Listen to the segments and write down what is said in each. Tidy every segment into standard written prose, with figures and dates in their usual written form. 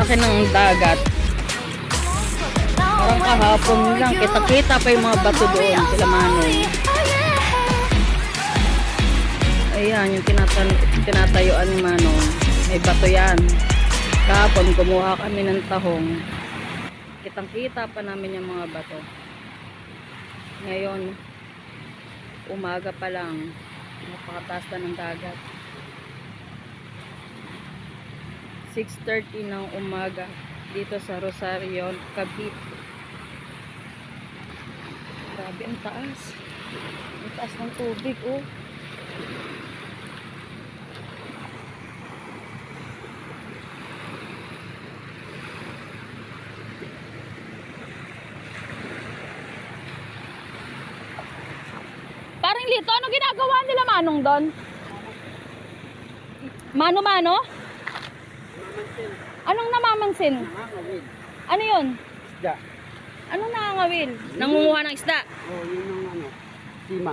laki ng dagat. Parang kahapon lang, kita-kita pa yung mga bato doon, sila Manong. Ayan, yung tinatayuan ni Manong. May bato yan. Kahapon, kumuha kami ng tahong. Kitang-kita pa namin yung mga bato. Ngayon, umaga pa lang, napakataas na ng dagat. 6:30 ng umaga dito sa Rosario, Cavite. Grabe ang taas. Ang taas ng tubig, oh. Parang Lito, ano ginagawa nila Manong doon? Mano-mano? Anong namamansin? Nangangawil. Ano yun? Isda. Anong nangangawil? Nangunguha ng isda? Oo, yun ang ano. Sima.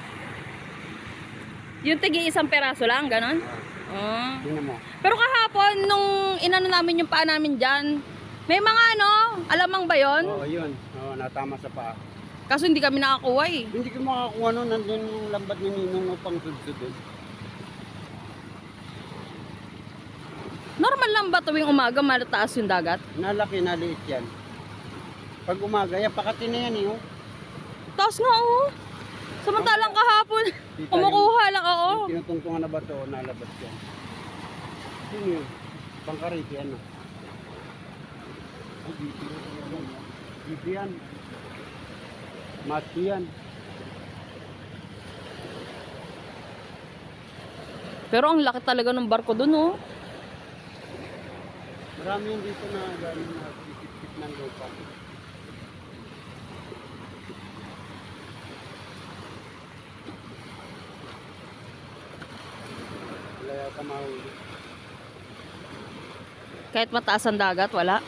Yung tigi isang peraso lang, ganon? Oh. Tingnan mo. Pero kahapon, nung inano namin yung paa namin dyan, may mga ano, alamang ba yun? Oo, yun. Oo, natama sa paa. Kaso hindi kami nakakuha eh. Hindi ko makakuha nun. Nandun yung lambat ni Ninong upang sudsudod. Normal lang ba tuwing umaga malataas yung dagat? Nalaki, naliit yan. Pag umaga, yan, pakati na yan eh. Oh. Taas nga oh. Samantalang kahapon, Kita kumukuha lang ako. Yung tinutungtungan na bato, nalabas yan. Yun yun. Pangkariti, ano. Ay, dito yan. Dito yan. Mati yan. Pero ang laki talaga ng barko dun oh. Marami yung dito na gano'n na sisip-sip ng lupa. Wala yata mahuli. Kahit mataas ang dagat, wala.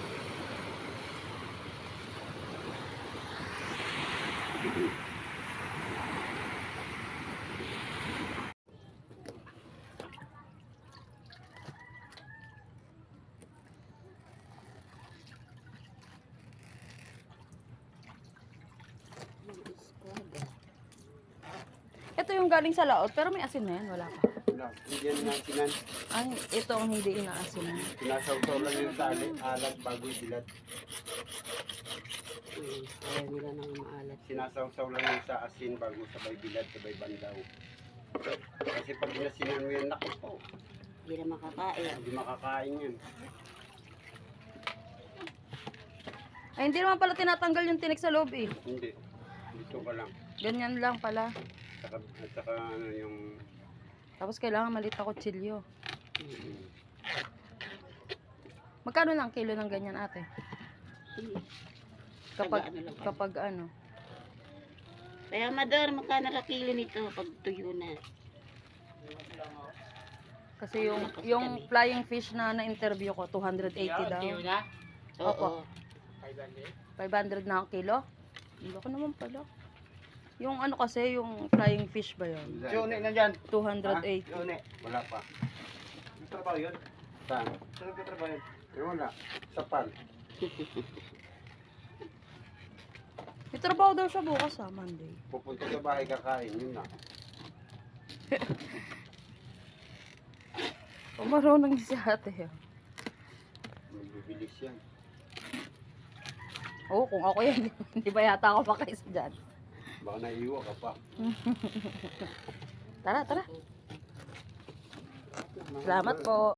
Ito yung galing sa laot, pero may asin na yan, wala pa. Wala, hindi yan nasinan. Ay, ito ang hindi inaasin. Pinasaw-saw lang yung tali, alat bago ibilad. Ayaw nila nang maalat. Sinasaw-saw lang yung sa asin bago sabay bilad, sabay bandaw. Kasi pag nasinan mo yan, naku po, Hindi na makakain. hindi makakain yan. Ay, hindi naman pala tinatanggal yung tinik sa loob eh. Hindi, dito ka lang. Ganyan lang pala. At saka ano yung... Tapos kailangan maliit na kutsilyo. Magkano lang kilo ng ganyan ate? Kapag, Taga ano lang. kapag ano? Kaya madar, magkano na kilo nito pag tuyo na? Kasi yung flying fish na na-interview ko, 280 daw. Opo. Oo. 500 na ang kilo? Hindi ko naman pala. Yung ano kasi, yung flying fish ba yun? Yone na dyan. 280. Yone. Wala pa. Yung trabaho yun? Saan? Saan nagkatrabaho yun? Wala. Sapal. May trabaho daw siya bukas Monday. Pupunta sa bahay kakain, yun na. Marunong si ate. Magbibilis yan. Oo, kung ako yan, hindi ba yata ako makaisa dyan? Baka naiiwa ka pa. Tara, tara. Salamat po.